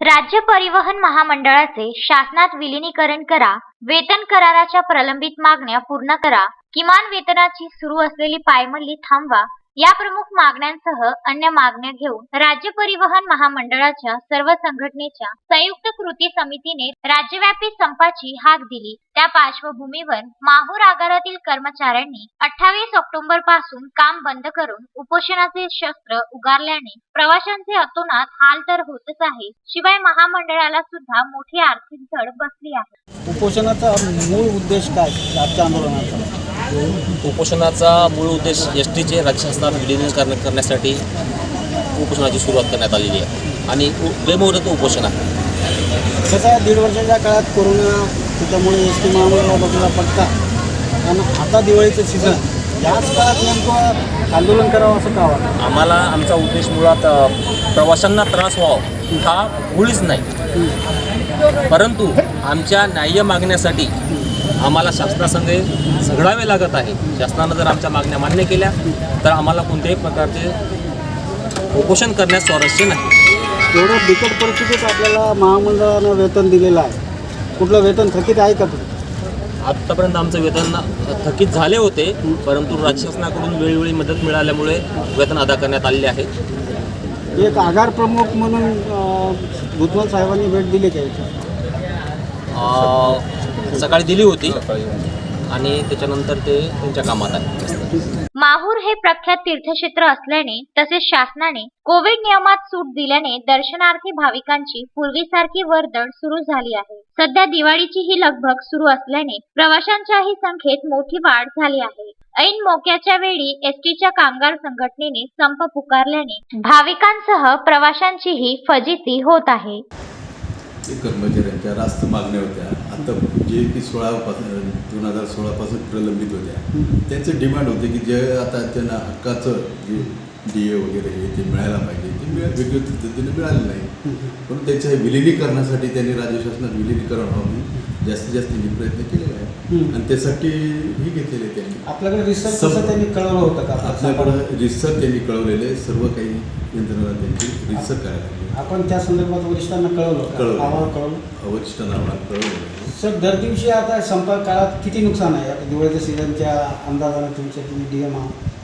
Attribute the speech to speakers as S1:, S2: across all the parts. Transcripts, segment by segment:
S1: राज्य परिवहन महामंडळाचे शासनात विलीनीकरण करा, वेतन कराराच्या प्रलंबित मागण्या पूर्ण करा, किमान वेतनाची सुरू असलेली पायमल्ली थांबवा या प्रमुख मागण्यांसह अन्य मागण्या घेऊन राज्य परिवहन महामंडळाच्या सर्व संघटनेच्या संयुक्त कृती समितीने राज्यव्यापी संपाची हाक दिली। त्या पार्श्वभूमीवर माहूर आगारातील कर्मचाऱ्यांनी 28 ऑक्टोबर पासून काम बंद करून उपोषणाचे शस्त्र उगारल्याने प्रवाशांचे अतोनात हाल तर होतच आहे, शिवाय महामंडळाला सुद्धा मोठी आर्थिक झळ बसली आहे।
S2: उपोषणाचा मूळ उद्देश काय आजच्या आंदोलनाचा?
S3: उपोषणाचा मूळ उद्देश एसटीचे राज्य शासनात विलीनीकरण करण्यासाठी उपोषणाची सुरुवात करण्यात आलेली आहे आणि बेमुदत उपोषण आहे।
S2: कसं आहे, 1.5 वर्षाच्या काळात कोरोना त्याच्यामुळे एसटी महामंडळाला बसला फटका आणि आता दिवाळीचं सीझन याच काळात नेमकं आंदोलन करावं असं का वाटतं?
S3: आम्हाला आमचा उद्देश मुळात प्रवाशांना त्रास व्हावा हा मुळीच नाही, परंतु आमच्या न्याय्य मागण्यासाठी आम्हाला शासनासंगे झगडावे लागत आहे। शासनानं जर आमच्या मागण्या मान्य केल्या तर आम्हाला कोणत्याही प्रकारचे उपोषण करण्यास स्वारस्य नाही।
S2: एवढं बिकट परिस्थितीत आपल्याला महामंडळानं वेतन दिलेलं आहे, कुठलं वेतन थकीत आहे का तुम्ही?
S3: आत्तापर्यंत आमचं वेतन थकीत झाले होते, परंतु राज्य शासनाकडून वेळोवेळी मदत मिळाल्यामुळे वेतन अदा करण्यात आलेले आहे।
S2: एक आगार प्रमुख म्हणून भुजबळ साहेबांनी भेट दिली का?
S3: सकाळी दिली होती आणि त्याच्यानंतर ते त्यांच्या कामात आहे।
S1: माहूर हे प्रख्यात तीर्थक्षेत्र असल्याने तसेच शासनाने कोविड नियमात सूट दिल्याने दर्शनार्थी भाविकांची पूर्वीसारखी वर्दळ सुरू झाली आहे। सध्या दिवाळीची ही लगबग सुरू असल्याने प्रवाशांच्याही संख्येत मोठी वाढ झाली आहे। ऐन मोक्याच्या वेळी एसटीच्या कामगार संघटनेने संप पुकारल्याने भाविकांसह प्रवाशांचीही फजिती होत आहे।
S4: कर्मचाऱ्यांच्या रास्त मागण्या होत्या, आता जे की 2016 पासून प्रलंबित होत्या त्यांचं डिमांड होते की जे आता त्यांना हक्काचं जे DA वगैरे हे ते मिळायला पाहिजे ते वेगवेगळ्या पद्धतीने मिळालं नाही, पण त्याच्या विलिनीकरणासाठी त्यांनी राज्य शासनात विलिनीकरण व्हावं जास्तीत जास्त प्रयत्न केलेला आहे आणि त्यासाठी ही घेतलेले त्यांनी।
S2: आपल्याकडे रिसर्च कसं त्यांनी कळवलं होतं का?
S4: आपल्याकडं रिसर्च त्यांनी कळवलेले सर्व काही यंत्रणा त्यांची रिसर्च करायला लागली।
S2: आपण त्या संदर्भात वरिष्ठांना कळवलं
S4: वरिष्ठांना आम्हाला कळवलं।
S2: सर, दर दिवशी आता संपर्क काळात किती नुकसान आहे? आता दिवाळीच्या सीझनच्या अंदाजाने तुमच्या तुम्ही DM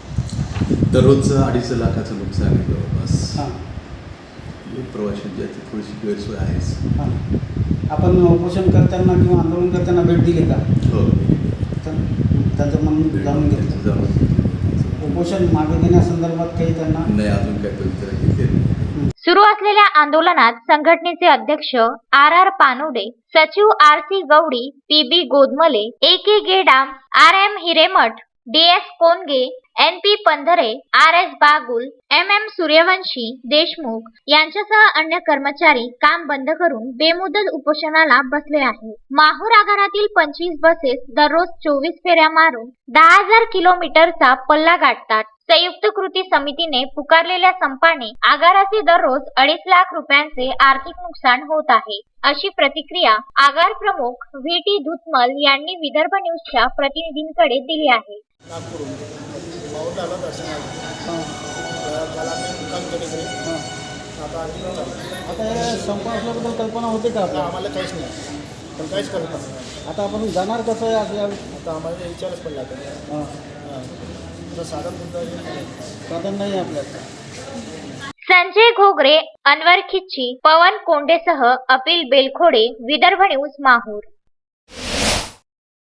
S4: दररोजचं 2.5 लाखाचं नुकसान आहे जवळपास।
S2: हां,
S4: प्रवाशांची याची थोडीशी गैरसोय आहेच।
S2: हां, आपण उपोषण करताना किंवा आंदोलन करताना भेट दिली का?
S4: हो,
S1: त्यांचं म्हणून जाणून घेतलं। उपोषण मागे घेण्यासंदर्भात काही त्यांना
S4: नाही, अजून काय तरी
S1: सुरू असलेल्या आंदोलनात संघटनेचे अध्यक्ष RR पानोडे, सचिव RC गवडी, PB गोदमले, AK Gedam, RM Hiremath, DS कोनगे, NP पंधरे, RS Bagul, MM Suryavanshi Deshmukh यांच्यासह अन्य कर्मचारी काम बंद करून बेमुदत उपोषणाला बसले आहेत। माहूर आगारातील 25 बसेस दररोज 24 फेऱ्या मारून 10,000 किलोमीटरचा पल्ला गाठतात। संयुक्त कृती समितीने पुकारलेल्या संपाने आगाराचे दररोज 2.5 लाख रुपयांचे आर्थिक नुकसान होत आहे, अशी प्रतिक्रिया आगार प्रमुख VT धुतमल यांनी विदर्भ न्यूजच्या प्रतिनिधींकडे दिली आहे।
S2: आता संप असल्याबद्दल कल्पना होते का
S5: आम्हाला काहीच नाही, पण काहीच कल्पना नाही।
S2: आता आपण जाणार कसं आहे?
S5: आता आम्हाला विचारच पडला
S2: हां,
S5: साधन
S2: नाही आपल्याला।
S1: संजय घोगरे, अनवर खिच्ची, पवन कोंडेसह अपिल बेलखोडे, विदर्भ न्यूज माहूर।